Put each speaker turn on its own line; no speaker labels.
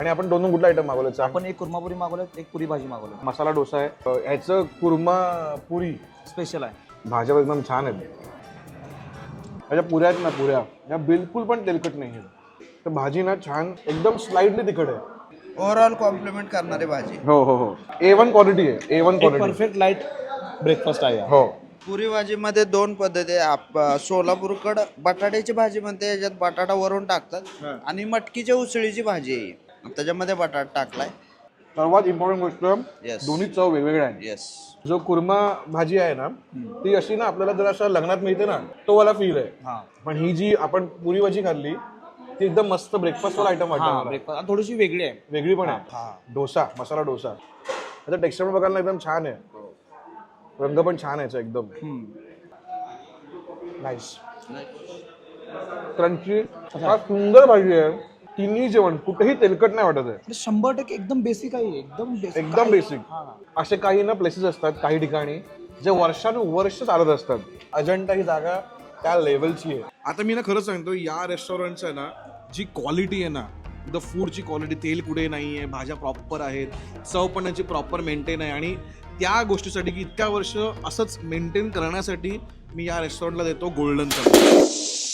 आणि आपण दोन कुठला आयटम मागवलं?
आपण एक कुर्मापुरी मागवलं, एक पुरी भाजी मागवलं.
मसाला डोसा आहे. ह्याचं कुर्मा पुरी
स्पेशल आहे.
भाज्या एकदम छान आहेत. ह्याच्या पुऱ्या आहेत ना, पुऱ्या या बिलकुल पण तेलकट नाही आहेत. तर भाजी ना छान एकदम स्लाइडली तिखट आहे.
ओव्हरऑल कॉम्प्लिमेंट करणारी भाजी.
हो हो हो, A1 क्वालिटी आहे. A1 quality.
Perfect light breakfast आहे.
हो.
पुरी भाजीमध्ये दोन पद्धती आहे. सोलापूरकडं बटाट्याची भाजी म्हणते, याच्यात बटाटा वरून टाकतात. आणि मटकीच्या उसळीची भाजी आहे, त्याच्यामध्ये बटाटा टाकलाय.
सर्वात इम्पॉर्टंट गोष्ट,
Yes.
दोन्ही चव वेगवेगळ्या आहेत.
येस.
जो कुर्मा भाजी आहे ना, ती अशी ना आपल्याला जर असं लग्नात मिळते ना, तो वाला फील आहे.
हा
पण ही जी आपण पुरी भाजी खाल्ली ती एकदम मस्त ब्रेकफास्ट वाला आयटम वाटतं मला.
ब्रेकफास्ट थोडीशी वेगळी आहे.
वेगळी पण आहे. डोसा, मसाला डोसा, त्याचा टेक्स्चर पण बघायला एकदम छान आहे. रंग पण छान आहे एकदम. नाईस, क्रंची, हा सुंदर भाजी आहे. तिन्ही जेवण कुठेही तेलकट नाही वाटत आहे.
100% एकदम बेसिक आहे.
एकदम बेसिक. असे काही ना प्लेसेस असतात काही ठिकाणी जे वर्षानुवर्ष चालत असतात. अजंठा ही जागा त्या लेवलची आहे. आता मी ना खरं सांगतो, या रेस्टॉरंटचं आहे ना, जी क्वालिटी आहे ना, द फूडची क्वालिटी, तेल कुठे नाही आहे, भाज्या प्रॉपर आहेत, चव पण याची प्रॉपर मेंटेन आहे. आणि त्या गोष्टीसाठी की इतक्या वर्ष असंच मेंटेन करण्यासाठी मी या रेस्टॉरंटला देतो गोल्डन चमचा.